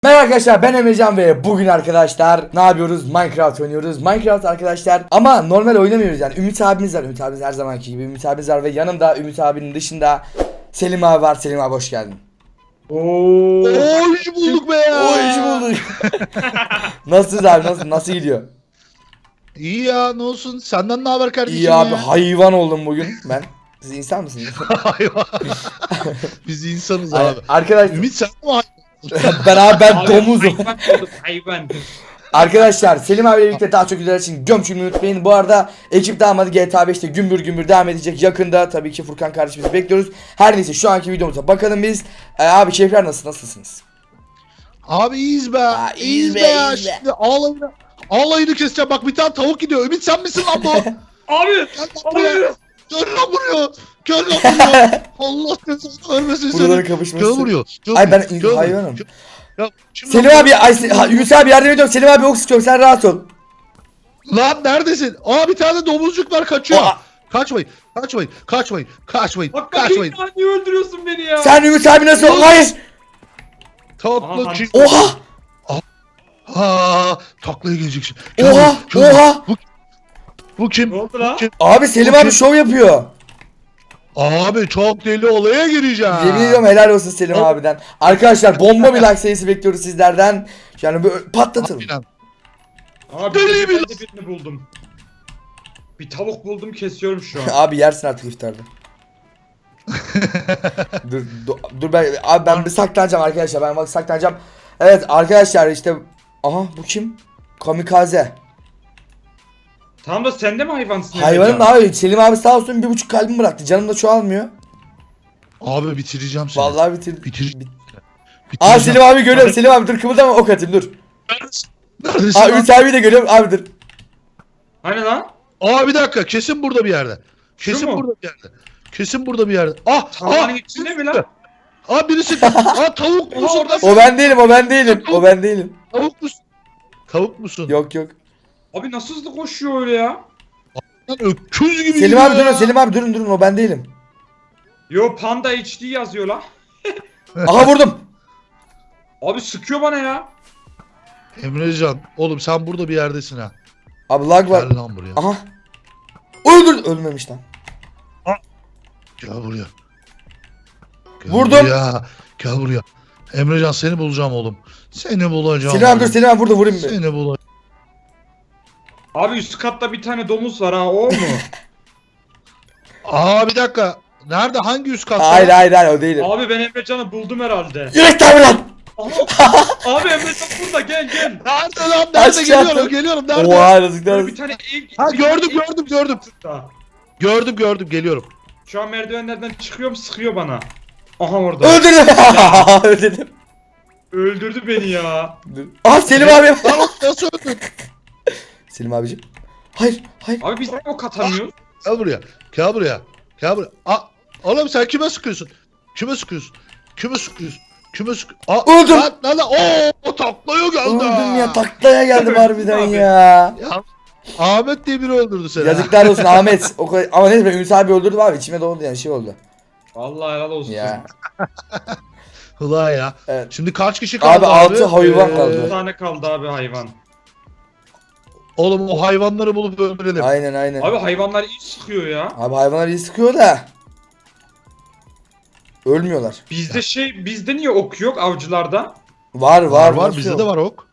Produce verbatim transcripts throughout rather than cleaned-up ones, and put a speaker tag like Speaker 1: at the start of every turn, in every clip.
Speaker 1: Merhaba arkadaşlar, ben Emrecan ve bugün arkadaşlar ne yapıyoruz? Minecraft oynuyoruz. Minecraft arkadaşlar ama normal oynamıyoruz yani. Ümit abimiz var. Ümit abimiz her zamanki gibi Ümit abimiz var ve yanımda Ümit abinin dışında Selim abi var. Selim abi hoş geldin.
Speaker 2: Oo,
Speaker 3: Hoş bulduk be ya.
Speaker 1: Hoş bulduk. Nasılsınız abi? Nasıl nasıl gidiyor?
Speaker 3: İyi ya, ne olsun? Senden ne haber kardeşim?
Speaker 1: İyi abi,
Speaker 3: ya?
Speaker 1: hayvan oldum bugün ben. Siz insan mısınız?
Speaker 3: Hayvan. Biz insanız
Speaker 1: Ay-
Speaker 3: abi.
Speaker 1: Arkadaşlar
Speaker 3: Ümit sen mi hayvan?
Speaker 1: ben abi ben
Speaker 2: Abi,
Speaker 1: domuzum.
Speaker 2: Hayvan oldum, hayvan.
Speaker 1: Arkadaşlar Selim abiyle birlikte daha çok videolar için gömçülmeyi unutmayın. Bu arada ekip damadı G T A beşte gümbür gümbür devam edecek. Yakında tabii ki Furkan kardeşimizi bekliyoruz. Her neyse şu anki videomuza bakalım biz. Ee, abi keyifler nasıl? Nasılsınız?
Speaker 3: Abi iyiyiz be.
Speaker 1: Aa,
Speaker 3: iyiyiz,
Speaker 1: iyiyiz
Speaker 3: be
Speaker 1: be,
Speaker 3: ya.
Speaker 1: iyiyiz be.
Speaker 3: Şimdi ağlayını, ağlayını keseceğim. Bak bir tane tavuk gidiyor. Ümit sen misin lan bu?
Speaker 2: Abi,
Speaker 3: Gel lan buraya.
Speaker 2: abi.
Speaker 3: Gel lan buraya. Gel lan buraya. Allah seni vermesin
Speaker 1: Buraların
Speaker 3: seni.
Speaker 1: kapışması.
Speaker 3: Gel buraya. Gel
Speaker 1: Ay ben
Speaker 3: buraya, gel buraya.
Speaker 1: hayvanım.
Speaker 3: Gel- Ya, şimdi
Speaker 1: Selim
Speaker 3: lan-
Speaker 1: abi, ay, Se- ha, Yunus abi yardım ediyorum. Selim abi ok sıkıyorum, sen rahat ol.
Speaker 3: Lan neredesin? Aa bir tane domuzcuk var kaçıyor.
Speaker 1: Aa.
Speaker 3: Kaçmayın. Kaçmayın. Kaçmayın. Kaçmayın.
Speaker 2: Bak
Speaker 3: Kaçmayın.
Speaker 2: bakayım, niye öldürüyorsun beni ya?
Speaker 1: Sen Ümit abi nasıl? Hayır.
Speaker 3: Tatlı
Speaker 2: Aha,
Speaker 3: çift.
Speaker 1: Oha.
Speaker 3: Ha, taklaya gelecek şimdi. Gel
Speaker 1: Oha.
Speaker 3: buraya, gel buraya.
Speaker 1: Oha.
Speaker 3: Bu, bu kim?
Speaker 2: Ne oldu
Speaker 3: Bu
Speaker 2: lan?
Speaker 3: kim?
Speaker 1: Abi Selim abi şov yapıyor.
Speaker 3: Abi çok deli olaya gireceğim.
Speaker 1: Yemin ediyorum helal olsun Selim
Speaker 3: Hop.
Speaker 1: abiden. Arkadaşlar bomba bir like sayısı bekliyoruz sizlerden. Yani böyle patlatalım.
Speaker 3: Aynen.
Speaker 2: Abi
Speaker 3: Deli
Speaker 2: bir
Speaker 3: mi?
Speaker 2: de birini buldum. Bir tavuk buldum, kesiyorum şu an.
Speaker 1: Abi yersin artık iftarda. dur, dur dur ben abi ben bir saklanacağım arkadaşlar. Ben bak saklanacağım. Evet arkadaşlar işte aha bu kim? Kamikaze.
Speaker 2: Tamam da sen de mi hayvansın?
Speaker 1: Hayvanım da
Speaker 2: Emrecan?
Speaker 1: abi Selim abi sağ olsun bir buçuk kalbimi bıraktı. Canım da çoğalmıyor.
Speaker 3: Abi bitireceğim seni.
Speaker 1: Vallahi bitir.
Speaker 3: Bitir.
Speaker 1: Bit-
Speaker 3: Bitireceğim.
Speaker 1: Aa Selim abi görüyorum. Selim abi dur kımıldama ok atayım dur.
Speaker 3: Neredesin
Speaker 1: Aa
Speaker 3: lan?
Speaker 1: Ümit abi de görüyorum abi dur.
Speaker 2: Hani lan?
Speaker 3: Aa bir dakika kesin burada bir yerde.
Speaker 2: Şu
Speaker 3: Kesin
Speaker 2: mu?
Speaker 3: burada bir yerde. Kesin burada bir yerde. Ah!
Speaker 2: Tarlanın
Speaker 3: Ah!
Speaker 2: içinde mi lan?
Speaker 3: Aa birisi. Aa tavuk musun
Speaker 2: orada-
Speaker 3: lan?
Speaker 1: O ben değilim o ben değilim. O ben değilim.
Speaker 3: Tavuk musun? Tavuk musun?
Speaker 1: Yok yok.
Speaker 2: Abi nasıl hızlı koşuyor öyle ya?
Speaker 3: Lan öküz gibi
Speaker 1: Selim
Speaker 3: gidiyor
Speaker 1: abi durun
Speaker 3: ya.
Speaker 1: Selim abi durun durun o ben değilim.
Speaker 2: Yo, Panda H D yazıyor lan.
Speaker 1: Aha vurdum.
Speaker 2: Abi sıkıyor bana ya.
Speaker 3: Emrecan oğlum sen burada bir yerdesin ha.
Speaker 1: Abi lag var.
Speaker 3: Gel lan buraya.
Speaker 1: Aha. Öldür. Ölmemiş lan.
Speaker 3: Gel buraya. Gel
Speaker 1: Vurdum.
Speaker 3: Buraya. Gel buraya. Emrecan seni bulacağım oğlum. Seni bulacağım.
Speaker 1: Selim abi dur
Speaker 3: oğlum.
Speaker 1: Selim abi burada vurayım bir.
Speaker 3: Seni bulacağım.
Speaker 2: Abi üst katta bir tane domuz var ha, o mu?
Speaker 3: Aa bir dakika. Nerede? Hangi üst katta?
Speaker 1: Hayır hayır hayır o değilim.
Speaker 2: Abi ben Emrecan'ı buldum herhalde.
Speaker 1: Yürek tabi lan.
Speaker 2: Abi Emrecan burada, gel gel.
Speaker 3: Nerede lan? Nerede?
Speaker 1: Aşağı
Speaker 3: Geliyorum.
Speaker 1: attım.
Speaker 3: Geliyorum. Nerede?
Speaker 1: Oha yazıklar
Speaker 2: Böyle bir
Speaker 1: olsun.
Speaker 2: tane ev...
Speaker 3: Ha
Speaker 2: bir
Speaker 3: gördüm
Speaker 2: tane ev-
Speaker 3: gördüm gördüm.
Speaker 2: Daha.
Speaker 3: Gördüm gördüm geliyorum.
Speaker 2: Şu an merdivenlerden çıkıyorum, sıkıyor bana. Aha orada.
Speaker 1: Öldürdüm. Öldürdüm.
Speaker 2: Öldürdü beni ya.
Speaker 1: Dur. Aha Selim abi.
Speaker 3: Lan o nasıl öldün?
Speaker 1: Selim abicim. Hayır hayır.
Speaker 2: Abi biz o katamıyoruz.
Speaker 3: Gel buraya. Gel buraya. Gel buraya. Aa, oğlum sen kime sıkıyorsun? Kime sıkıyorsun? Kime sıkıyorsun? Kime sık? Aa,
Speaker 1: Öldüm.
Speaker 3: Lan lan lan. Oo, o taklaya geldi.
Speaker 1: Öldüm ya taklaya geldim harbiden
Speaker 2: Abi.
Speaker 1: ya.
Speaker 3: Ya, Ahmet diye biri öldürdü seni.
Speaker 1: Yazıklar olsun Ahmet. O kadar... Ama neyse ben Ümit abi öldürdüm abi içime doğdu yani şey oldu.
Speaker 2: Vallahi helal olsun.
Speaker 1: Ya.
Speaker 3: Ulan ya.
Speaker 1: Evet.
Speaker 3: Şimdi kaç kişi kaldı
Speaker 1: Abi,
Speaker 3: abi?
Speaker 1: altı hayvan
Speaker 3: Ee,
Speaker 1: kaldı.
Speaker 2: Bir tane kaldı abi hayvan.
Speaker 3: Oğlum o hayvanları bulup öldürelim.
Speaker 1: Aynen aynen.
Speaker 2: Abi hayvanlar iyi sıkıyor ya.
Speaker 1: Abi hayvanlar iyi sıkıyor da. Ölmüyorlar.
Speaker 2: Bizde şey, bizde niye ok yok avcılarda?
Speaker 1: Var var
Speaker 3: Var var
Speaker 1: nasıl
Speaker 3: bizde
Speaker 1: yok?
Speaker 3: de var ok.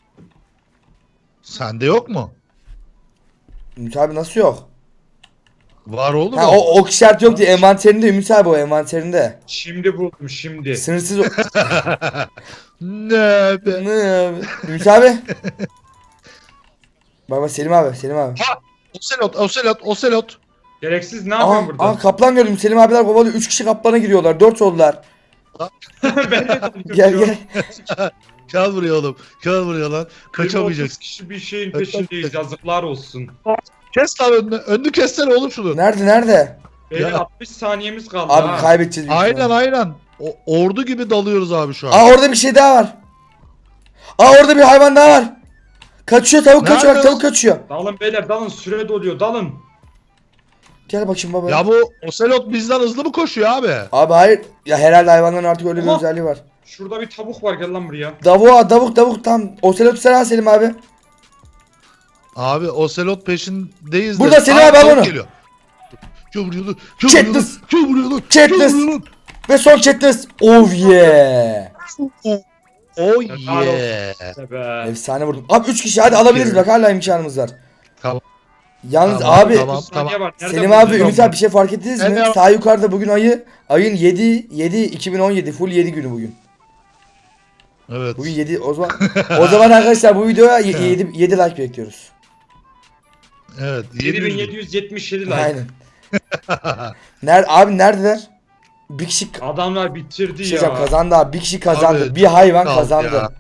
Speaker 3: Sende yok mu?
Speaker 1: Ümit abi nasıl yok?
Speaker 3: Var oğlum.
Speaker 1: Ha o ok işareti yok diye envanterinde Ümit abi o envanterinde.
Speaker 2: Şimdi buldum şimdi.
Speaker 1: Sınırsız o...
Speaker 3: Ne be?
Speaker 1: Ne abi? Ümit abi. Bak bak Selim abi Selim abi.
Speaker 3: Oselot, oselot, oselot.
Speaker 2: Gereksiz ne
Speaker 1: Aha,
Speaker 2: yapıyorsun burada?
Speaker 1: aha kaplan gördüm Selim abiler kovalıyor. üç kişi kaplana giriyorlar. dört oldular.
Speaker 2: Ben de
Speaker 1: Gel gel.
Speaker 3: Gel buraya oğlum. Gel buraya lan.
Speaker 2: otuz
Speaker 3: Kaçamayacaksın.
Speaker 2: kişi bir şeyin peşindeyiz, yazıklar olsun.
Speaker 3: Kes lan önünü. Önünü kessene oğlum şunu.
Speaker 1: Nerede nerede?
Speaker 2: Beyler
Speaker 3: Ya.
Speaker 2: altmış saniyemiz kaldı
Speaker 1: Abi
Speaker 2: ha.
Speaker 1: kaybedeceğiz. büyük
Speaker 3: Aynen
Speaker 1: ihtimalle.
Speaker 3: aynen. O, ordu gibi dalıyoruz abi şu an.
Speaker 1: Aa orada bir şey daha var. Aa orada bir hayvan daha var. Kaçıyor tavuk
Speaker 3: Nerede
Speaker 1: kaçıyor bak
Speaker 3: lan?
Speaker 1: tavuk kaçıyor.
Speaker 2: Dalın beyler, dalın, süre doluyor, dalın.
Speaker 1: Gel bakayım baba.
Speaker 3: Ya bu oselot bizden hızlı mı koşuyor abi?
Speaker 1: Abi hayır. Ya herhalde hayvanların artık öyle bir
Speaker 2: Aha.
Speaker 1: özelliği var.
Speaker 2: Şurada bir tavuk var, gel lan buraya.
Speaker 1: Davuk davuk davuk tam. Oselot sen al Selim abi.
Speaker 3: Abi Ocelot peşindeyiz de.
Speaker 1: Burada Selim
Speaker 3: Aa,
Speaker 1: abi, al
Speaker 3: tavuk
Speaker 1: onu.
Speaker 3: geliyor. Kim vuruyor lan? Kim
Speaker 1: Katniss.
Speaker 3: vuruyor lan? Kim vuruyor lan?
Speaker 1: Katniss.
Speaker 3: Kim vuruyor lan?
Speaker 1: Ve son Katniss. Oh yeah.
Speaker 3: Oh
Speaker 2: Helal
Speaker 3: yeah.
Speaker 2: İşte be.
Speaker 1: Efsane vurdum. Abi üç kişi hadi alabiliriz bak hala imkanımız var.
Speaker 3: Tamam.
Speaker 1: Yalnız
Speaker 3: Tamam,
Speaker 1: abi
Speaker 3: tamam.
Speaker 2: Saniye var, nereden
Speaker 1: Selim abi
Speaker 2: bulacağım?
Speaker 1: Ümit abi bir şey fark ettiniz mi?
Speaker 3: Evet.
Speaker 1: Sağ yukarıda bugün ayı ayın yedi yedi iki bin on yedi full yedi günü bugün.
Speaker 3: Evet.
Speaker 1: Bugün yedi o zaman o zaman arkadaşlar bu videoya yedi yedi like bekliyoruz.
Speaker 3: Evet.
Speaker 2: yedi bin yedi yüz yetmiş yedi like.
Speaker 1: Aynen. Nerede abi neredeler? Bir kişi
Speaker 2: Adamlar bitirdi
Speaker 1: bir şey
Speaker 2: ya.
Speaker 1: diyeceğim, kazandı abi. Bir kişi kazandı.
Speaker 3: Abi,
Speaker 1: bir hayvan
Speaker 3: kaldı
Speaker 1: kazandı.
Speaker 3: ya.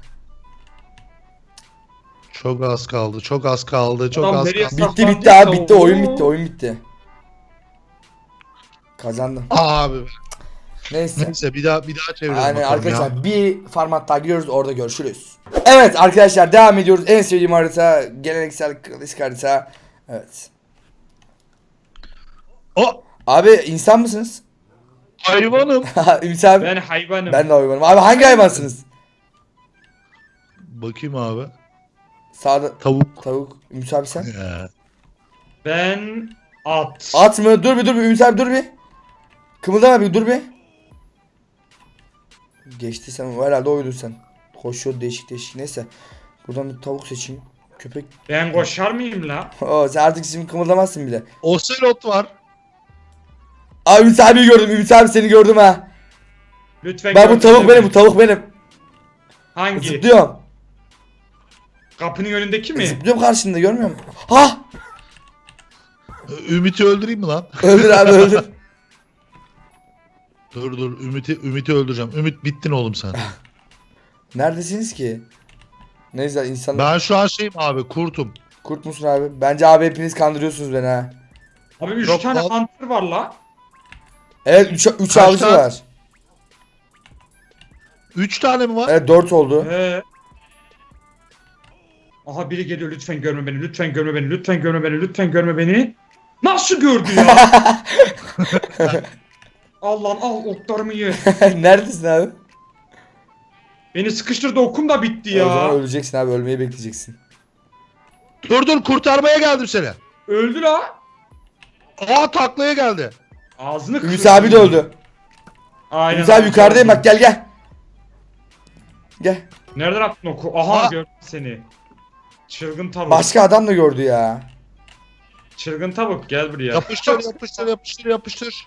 Speaker 3: Çok az kaldı. Çok az kaldı. Çok
Speaker 2: Adam
Speaker 3: az
Speaker 2: nereye
Speaker 3: kaldı.
Speaker 2: sak-
Speaker 1: Bitti bitti abi bitti oyun bitti oyun bitti. Kazandım.
Speaker 3: Abi.
Speaker 1: Neyse.
Speaker 3: Neyse bir daha bir daha çevirelim
Speaker 1: Aynen
Speaker 3: bakalım
Speaker 1: arkadaşlar
Speaker 3: ya.
Speaker 1: bir format daha giriyoruz orada görüşürüz. Evet arkadaşlar devam ediyoruz. En sevdiğim harita geleneksel klasik harita. Evet.
Speaker 3: O
Speaker 1: Abi insan mısınız?
Speaker 3: hayvanım.
Speaker 1: Ümit abi.
Speaker 2: Ben
Speaker 1: Ben,
Speaker 2: hayvanım.
Speaker 1: de hayvanım. Abi hangi hayvansınız?
Speaker 3: Bakayım abi.
Speaker 1: Sağda
Speaker 3: Tavuk.
Speaker 1: tavuk. Ümit abi sen?
Speaker 3: Ya.
Speaker 2: Ben at.
Speaker 1: At mı? Dur bir dur bir Ümit abi dur bir. Kımıldama bir dur bir. Geçti sen herhalde oydun sen. Koşuyor değişik değişik neyse. Buradan bir tavuk seçeyim. Köpek.
Speaker 2: Ben koşar mıyım la?
Speaker 1: Oo, sen artık şimdi kımıldamazsın bile.
Speaker 3: Ocelot var.
Speaker 1: Abi Ümit abi gördüm. Ümit abi seni gördüm ha.
Speaker 2: Lütfen
Speaker 1: Ben bu
Speaker 2: görsene
Speaker 1: tavuk benim
Speaker 2: beni.
Speaker 1: bu tavuk benim.
Speaker 2: Hangi?
Speaker 1: Zıplıyorum.
Speaker 2: Kapının önündeki mi?
Speaker 1: Zıplıyorum karşında görmüyor musun? Ha!
Speaker 3: Ümit'i öldüreyim mi lan?
Speaker 1: Öldür abi öldür.
Speaker 3: Dur dur Ümit'i Ümit'i öldüreceğim. Ümit bittin oğlum sen.
Speaker 1: Neredesiniz ki? Neyse insanlar
Speaker 3: Ben şu an şeyim abi kurtum.
Speaker 1: kurt musun abi? Bence abi hepiniz kandırıyorsunuz beni ha.
Speaker 2: Abi üç
Speaker 3: Yok,
Speaker 2: tane
Speaker 3: al.
Speaker 2: hunter var la.
Speaker 1: Evet üç üç
Speaker 3: Kaç
Speaker 1: avcı
Speaker 3: tane?
Speaker 1: var.
Speaker 3: Üç tane mi var?
Speaker 1: Evet dört oldu.
Speaker 2: He. Aha biri geliyor, lütfen görme beni, lütfen görme beni, lütfen görme beni, lütfen görme beni. Nasıl gördü ya? Allah'ım al oklarımı ye.
Speaker 1: Neredesin abi?
Speaker 2: Beni sıkıştırdı, okum da bitti
Speaker 1: O zaman
Speaker 2: ya.
Speaker 1: öleceksin abi ölmeyi bekleyeceksin.
Speaker 3: Dur dur kurtarmaya geldim seni.
Speaker 2: Öldü la.
Speaker 3: Aa taklaya geldi.
Speaker 2: Ağzını
Speaker 1: Ümit
Speaker 2: kırdı.
Speaker 1: abi de öldü.
Speaker 2: Aynen.
Speaker 1: Ümit abi yukarıdayım bak gel gel. Gel.
Speaker 2: Nereden attın oku? Aha
Speaker 3: Aa.
Speaker 2: gördüm seni. Çılgın tavuk.
Speaker 1: Başka adam da gördü ya.
Speaker 2: Çılgın tavuk gel buraya.
Speaker 3: Yapıştır yapıştır yapıştır yapıştır.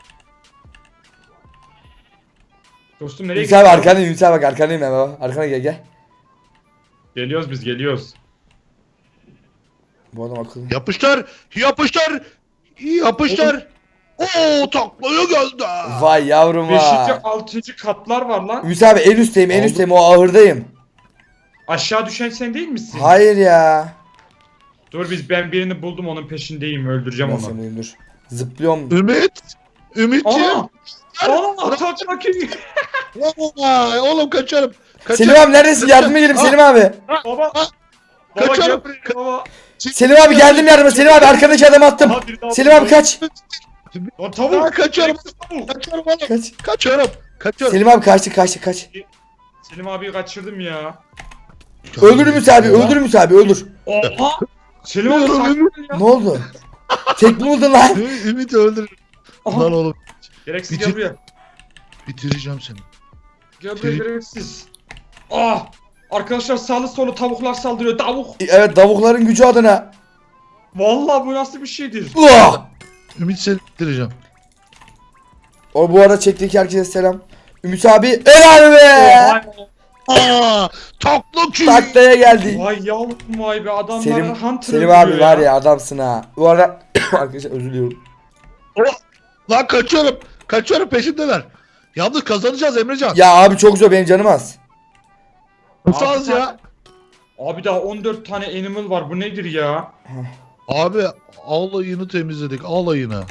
Speaker 2: Dostum nereye
Speaker 1: Ümit abi
Speaker 2: gidiyorsun?
Speaker 1: arkandayım Ümit abi bak arkandayım ben baba. Arkana gel gel.
Speaker 2: Geliyoruz biz geliyoruz.
Speaker 1: Bu adam akıllı.
Speaker 3: Yapıştır yapıştır. Yapıştır. Oo taklaya geldi.
Speaker 1: Vay yavrum
Speaker 2: Beşinci,
Speaker 1: ha.
Speaker 2: altıncı katlar var lan.
Speaker 1: Ümit abi en üstteyim en
Speaker 3: Oldu.
Speaker 1: üstteyim o ahırdayım.
Speaker 2: Aşağı düşen sen değil misin?
Speaker 1: Hayır ya.
Speaker 2: Dur biz ben birini buldum, onun peşindeyim, öldüreceğim
Speaker 1: Nasıl
Speaker 2: onu.
Speaker 1: bulayım dur. Zıplıyorum.
Speaker 3: Ümit. Ümitciğim.
Speaker 2: Aa! Aa! Tak bakayım.
Speaker 3: Vay, oğlum kaçarım. Kaçarım.
Speaker 1: Selim abi neredesin? Yardıma gelin Selim abi.
Speaker 2: Baba.
Speaker 3: Aa!
Speaker 2: Baba
Speaker 3: Kaçarım.
Speaker 2: gel buraya baba.
Speaker 1: Selim abi geldim yardıma. Selim abi arkadaki adamı attım.
Speaker 2: Aha, biri daha
Speaker 1: Selim abi
Speaker 2: buldu.
Speaker 1: kaç.
Speaker 2: O
Speaker 3: Aa,
Speaker 2: tavuk.
Speaker 3: kaçarım.
Speaker 2: Tavuk.
Speaker 3: Kaçarım oğlum.
Speaker 1: Kaç.
Speaker 3: Kaçarım. Kaçarım.
Speaker 1: Selim abi kaçtı kaçtı kaç.
Speaker 2: Selim abiyi kaçırdım ya.
Speaker 1: Öldür Ümit abi öldür Ümit abi öldür.
Speaker 2: Oha. Selim abi sakin ol ya.
Speaker 1: Ne oldu? Tek mi buldun lan?
Speaker 3: Ü- Ümit öldür.
Speaker 2: Aha.
Speaker 3: Lan oğlum
Speaker 2: Gereksiz
Speaker 3: Bitir-
Speaker 2: gel buraya.
Speaker 3: bitireceğim seni.
Speaker 2: Gel buraya gereksiz. Ah. Arkadaşlar sağlı solu tavuklar saldırıyor. Tavuk.
Speaker 1: Evet tavukların gücü adına.
Speaker 2: Vallahi bu nasıl bir şeydir?
Speaker 1: Uah!
Speaker 3: Ümit seni bitireceğim.
Speaker 1: O bu arada çektiği herkese selam. Ümit abi helal be.
Speaker 2: Vay,
Speaker 3: Aa, takla ki.
Speaker 1: Taklaya geldi.
Speaker 2: vay yavrum vay be, adamlar
Speaker 1: Selim,
Speaker 2: hunter
Speaker 1: Selim
Speaker 2: öldürüyor
Speaker 1: abi var ya adamsın ha. Bu arada arkadaşlar özür diliyorum.
Speaker 3: Lan kaçıyorum. Kaçıyorum peşindeler. Yalnız kazanacağız Emrecan.
Speaker 1: Ya abi çok zor benim canım az.
Speaker 3: Nasıl az ya?
Speaker 2: Abi daha on dört tane animal var, bu nedir ya?
Speaker 3: Abi alayını temizledik alayını.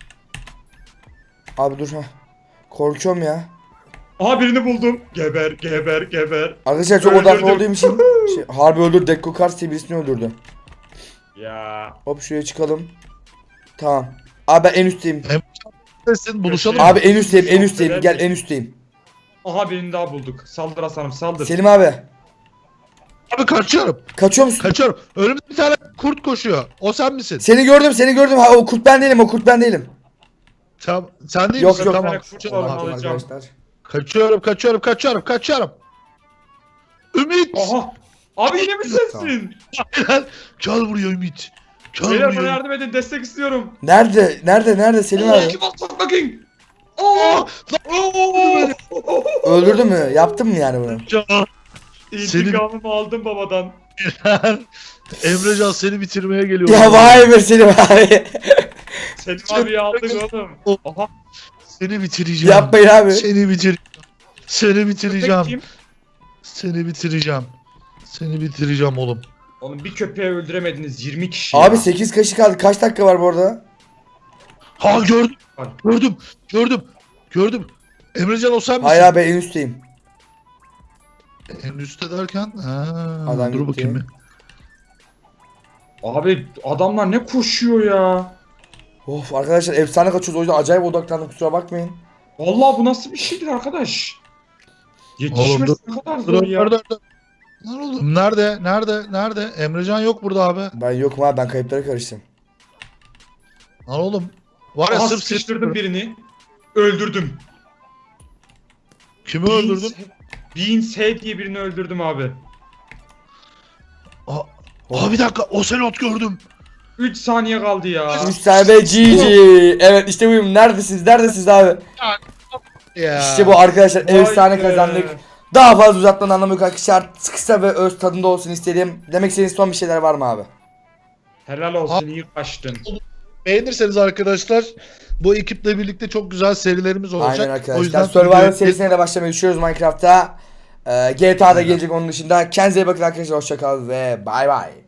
Speaker 1: Abi dur ha. Korkuyorum ya.
Speaker 2: Aha birini buldum. Geber geber geber.
Speaker 1: Arkadaşlar çok
Speaker 2: Öldürdüm.
Speaker 1: odaklı olduğum için şey, harbi öldür Dekko Kars diye birisini öldürdü.
Speaker 2: Ya.
Speaker 1: Hop şuraya çıkalım. Tamam. Abi ben en üstteyim.
Speaker 3: Neredesin buluşalım.
Speaker 2: Abi-
Speaker 1: Abi en üstteyim en üstteyim gel en üstteyim.
Speaker 2: Aha birini daha bulduk. Saldır Hasan'ım saldır.
Speaker 1: Selim abi.
Speaker 3: Abi kaçıyorum.
Speaker 1: Kaçıyor musun?
Speaker 3: Kaçıyorum. Önümde bir tane kurt koşuyor. O sen misin?
Speaker 1: Seni gördüm seni gördüm. Ha, o kurt ben değilim o kurt ben değilim.
Speaker 3: Tamam. Sen değil
Speaker 1: Yok,
Speaker 3: misin?
Speaker 1: yok.
Speaker 3: Tamam.
Speaker 2: Ben kurt
Speaker 3: Kaçıyorum.
Speaker 2: olanı
Speaker 1: Allah'ım
Speaker 2: alacağım.
Speaker 1: arkadaşlar.
Speaker 3: Kaçıyorum, kaçıyorum, kaçıyorum, kaçıyorum. Ümit!
Speaker 2: Aha. Abi yine mi sensin?
Speaker 3: Gel buraya Ümit. Gel
Speaker 2: Beyler bana
Speaker 3: buraya.
Speaker 2: yardım edin, destek istiyorum.
Speaker 1: Nerede? Nerede? Nerede Selim
Speaker 2: Allah
Speaker 1: abi?
Speaker 2: kim atsak bakayım. Oo! Oo!
Speaker 1: Öldürdü mü? Yaptın mı yani bunu?
Speaker 3: Can.
Speaker 2: İntikamımı aldım babadan.
Speaker 3: Emrecan seni bitirmeye geliyor.
Speaker 1: Ya vay be Selim abi.
Speaker 2: Selim abiyi aldık oğlum. Aha.
Speaker 3: Seni bitireceğim.
Speaker 1: Yapmayın abi.
Speaker 3: Seni bitir. Seni bitireceğim.
Speaker 2: Kim?
Speaker 3: Seni bitireceğim. Seni bitireceğim oğlum.
Speaker 2: Oğlum bir köpeği öldüremediniz yirmi kişi
Speaker 1: Abi
Speaker 2: ya.
Speaker 1: sekiz kaşık kaldı. Kaç dakika var bu arada?
Speaker 3: Ha gördüm.
Speaker 2: Var.
Speaker 3: Gördüm. Gördüm. Gördüm. Emrecan o sen misin?
Speaker 1: Hayır abi en üstteyim.
Speaker 3: En üstte derken. Ha,
Speaker 1: Adam
Speaker 3: dur
Speaker 1: gitti.
Speaker 3: bakayım bir.
Speaker 2: Abi adamlar ne koşuyor ya.
Speaker 1: Of arkadaşlar efsane kaçıyoruz o yüzden acayip odaklandım kusura bakmayın.
Speaker 2: Vallahi bu nasıl bir şeydir arkadaş?
Speaker 3: Oğlum
Speaker 2: Yetişmesi
Speaker 3: dur.
Speaker 2: ne kadar
Speaker 3: Dur
Speaker 2: zor
Speaker 3: dur
Speaker 2: ya.
Speaker 3: dur. dur. Lan oğlum nerede? Nerede? Nerede? Emrecan yok burada abi.
Speaker 1: Ben yokum abi ben kayıplara karıştım.
Speaker 3: Lan oğlum. Var ya
Speaker 2: Aha
Speaker 3: sırf
Speaker 2: sıkıştırdım birini. Öldürdüm.
Speaker 3: Kimi öldürdün?
Speaker 2: Beans Head diye birini öldürdüm abi.
Speaker 3: Aa, aa bir dakika. Ocelot gördüm.
Speaker 2: üç saniye kaldı ya.
Speaker 1: üç tane be G G. Evet işte buyum. Neredesiniz? Neredesiniz abi?
Speaker 3: Ya.
Speaker 1: İşte bu arkadaşlar
Speaker 2: Vay
Speaker 1: efsane
Speaker 2: be.
Speaker 1: kazandık. Daha fazla uzatmanın anlamı yok arkadaşlar. Kısa ve öz tadında olsun istedim. Demek istediğiniz son bir şeyler var mı abi?
Speaker 2: Helal olsun iyi kaçtın.
Speaker 3: Beğenirseniz arkadaşlar bu ekiple birlikte çok güzel serilerimiz olacak.
Speaker 1: Aynen
Speaker 3: O
Speaker 1: arkadaşlar.
Speaker 3: yüzden
Speaker 1: Survival serisine de başlamayı düşünüyoruz Minecraft'ta. Ee, G T A'da gelecek onun dışında. Kendinize iyi bakın arkadaşlar. Hoşçakalın ve bay bay.